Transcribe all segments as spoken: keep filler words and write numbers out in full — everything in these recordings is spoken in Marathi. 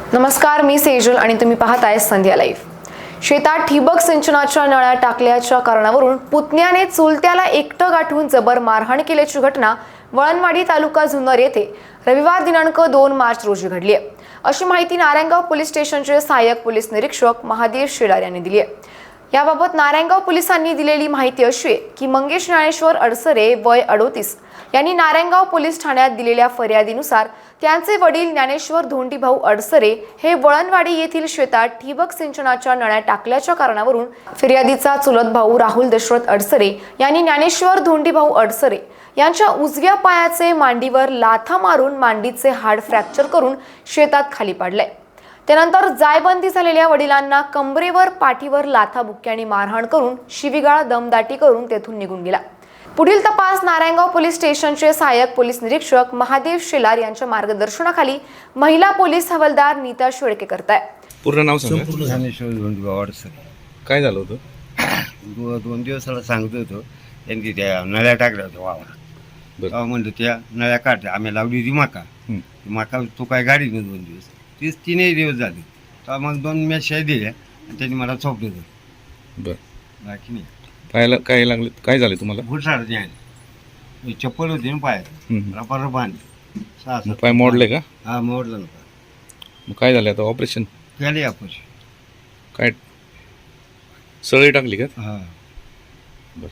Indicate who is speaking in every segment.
Speaker 1: नमस्कार, मी सेजल आणि तुम्ही पाहताय संध्या लाईव्ह। शेतात ठिबक सिंचनाच्या नळ्या टाकल्याच्या कारणावरून पुतण्याने चुलत्याला एकटं गाठून जबर मारहाण केल्याची घटना वळणवाडी तालुका जुन्नर येथे रविवार दिनांक दोन मार्च रोजी घडली आहे, अशी माहिती नारायणगाव पोलीस स्टेशनचे सहाय्यक पोलीस निरीक्षक महादेव शेलार यांनी दिली आहे। याबाबत नारायणगाव पोलिसांनी दिलेली माहिती अशी आहे की मंगेश ज्ञानेश्वर अडसरे वय अडोतीस यांनी नारायणगाव पोलीस ठाण्यात दिलेल्या फर्यादीनुसार त्यांचे वडील ज्ञानेश्वर धोंडीभाऊ अडसरे हे वळणवाडी येथील शेतात ठिबक सिंचनाच्या नळ्या टाकल्याच्या कारणावरून फिर्यादीचा चुलत भाऊ राहुल दशरथ अडसरे यांनी ज्ञानेश्वर धोंडीभाऊ अडसरे यांच्या उजव्या पायाचे मांडीवर लाथा मारून मांडीचे हाड फ्रॅक्चर करून शेतात खाली पाडले। त्यानंतर जायबंदी झालेल्या वडिलांना कंबरेवर पाठीवर लाथा बुक्क्याने मारहाण करून शिवीगाळ दमदाटी करून तेथून निघून गेला। पुढील तपास नारायणगाव पोलीस स्टेशनचे सहाय्यक पोलीस निरीक्षक महादेव शेलार यांच्या मार्गदर्शनाखाली महिला पोलीस हवालदार नीता शेळके करताय।
Speaker 2: पूर्ण नाव सांगा।
Speaker 3: ज्ञानेश्वर धोंडीभाऊ अडसरे।
Speaker 2: काय झालं होतं?
Speaker 3: दोन दिवसाला सांगत होतो त्यांनी त्या नळ्या टाकल्या होत्या वावरात। तेव्हा म्हणतो त्या नळ्या काढल्या, आम्ही लावली होती मका मका तो काय गाडी नाही दोन दिवस तीच तीनही दिवस झाले। तेव्हा मग दोन मॅच दिल्या आणि त्यांनी मला चोपलं होतं।
Speaker 2: बरं,
Speaker 3: बाकी नाही।
Speaker 2: पायाला काय लागले? काय झाले तुम्हाला?
Speaker 3: घुसाड द्यायला चप्पल होती ना पायात, रबर बांधली सहा सात।
Speaker 2: पाय मोडले का?
Speaker 3: हा मोडलं ना।
Speaker 2: मग काय झालं आता? ऑपरेशन
Speaker 3: केले आपण।
Speaker 2: काय सळी टाकली का?
Speaker 3: हा।
Speaker 2: बरं,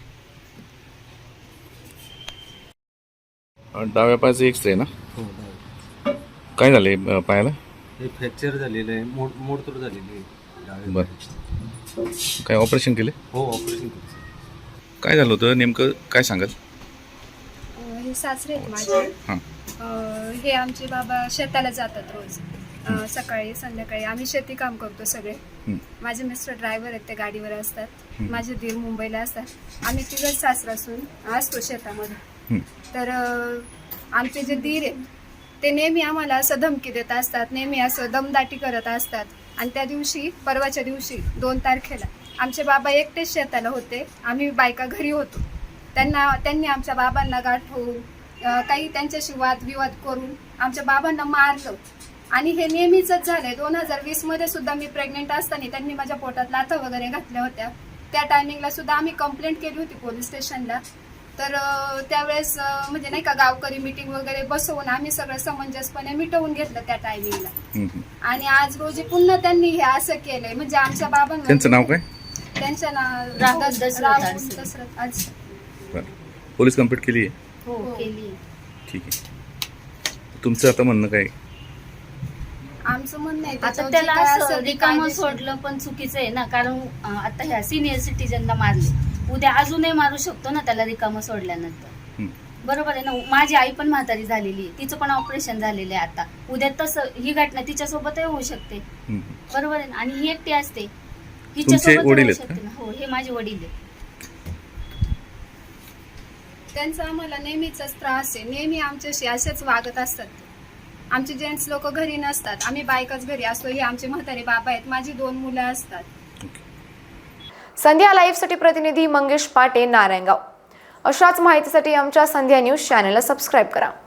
Speaker 2: डाव्या पायाचं एक्सरे ना?
Speaker 4: हो,
Speaker 2: काय झाले पायाला?
Speaker 4: हे फ्रॅक्चर झालेलं आहे, मोड मोडतोड झालेली आहे।
Speaker 2: बरं, काय ऑपरेशन केले?
Speaker 4: हो, ऑपरेशन केलं।
Speaker 2: काय झालं होतं नेमकं, काय सांगाल?
Speaker 5: हे सासरे आहेत माझे।
Speaker 2: हां,
Speaker 5: हे आमचे बाबा शेताला जातात रोज, सकाळी संध्याकाळी। आम्ही शेती काम करतो सगळे। माझे मिस्टर ड्रायव्हर आहेत, ते गाडीवर असतात। माझे दीर मुंबईला असतात। आम्ही तिघच सासरा असून असतो शेतामध्ये। तर आमचे जे दीर आहेत ते नेहमी आम्हाला असं धमकी देत असतात, नेहमी असं दमदाटी करत असतात। आणि त्या दिवशी, परवाच्या दिवशी दोन तारखेला आमचे बाबा एकटेच शेताला होते, आम्ही बायका घरी होतो। त्यांना त्यांनी आमच्या बाबांना गाठवून काही त्यांच्याशी वादविवाद करून आमच्या बाबांना मारलं। आणि हे नेहमीच झालंय। दोन हजार वीस मध्ये सुद्धा मी प्रेग्नेंट असताना त्यांनी माझ्या पोटात लाथा वगैरे घातल्या होत्या। त्या टायमिंगला सुद्धा आम्ही कंप्लेंट केली होती पोलीस स्टेशनला। तर त्यावेळेस म्हणजे नाही का, गावकरी मीटिंग वगैरे बसवून आम्ही सगळं समंजसपणे मिटवून घेतलं त्या टायमिंगला। आणि आज रोजी पुन्हा त्यांनी हे असं केलंय, म्हणजे आमच्या बाबांना।
Speaker 2: त्यांचं नाव काय?
Speaker 5: त्यांचं नाव राहुल दशरथ अडसरे।
Speaker 2: पोलीस कंप्लेंट केली आहे?
Speaker 5: हो, केली।
Speaker 2: ठीक आहे, तुमचं आता म्हणणं काय?
Speaker 5: आमचं म्हणणं आहे
Speaker 6: आता त्याला असं रिकामं सोडलं पण चुकीचं आहे ना, कारण आता ह्या सिनियर सिटीजनला मारले, उद्या अजूनही मारू शकतो ना त्याला रिकामं सोडल्यानंतर। बरोबर आहे ना? माझी आई पण म्हातारी झालेली आहे, तिचं पण ऑपरेशन झालेलं आहे। आता उद्या तसं ही घटना तिच्यासोबतही होऊ शकते, बरोबर आहे ना? आणि ही एकटी असते, हिच्यासोबत होऊ शकते ना। हो, हे माझे वडील आहे।
Speaker 5: त्यांचा आम्हाला नेहमीच त्रास आहे, नेहमी आमच्याशी असेच वागत असतात। आमचे जेंट्स लोक घरी नसतात, आम्ही बायकाच घरी असतो। हे आमचे म्हातारे बाबा आहेत, माझी दोन मुलं असतात।
Speaker 1: संध्या लाईव्ह साठी प्रतिनिधी मंगेश पाटे, नारायणगाव। अशाच माहितीसाठी आमच्या संध्या न्यूज चॅनलला सबस्क्राईब करा।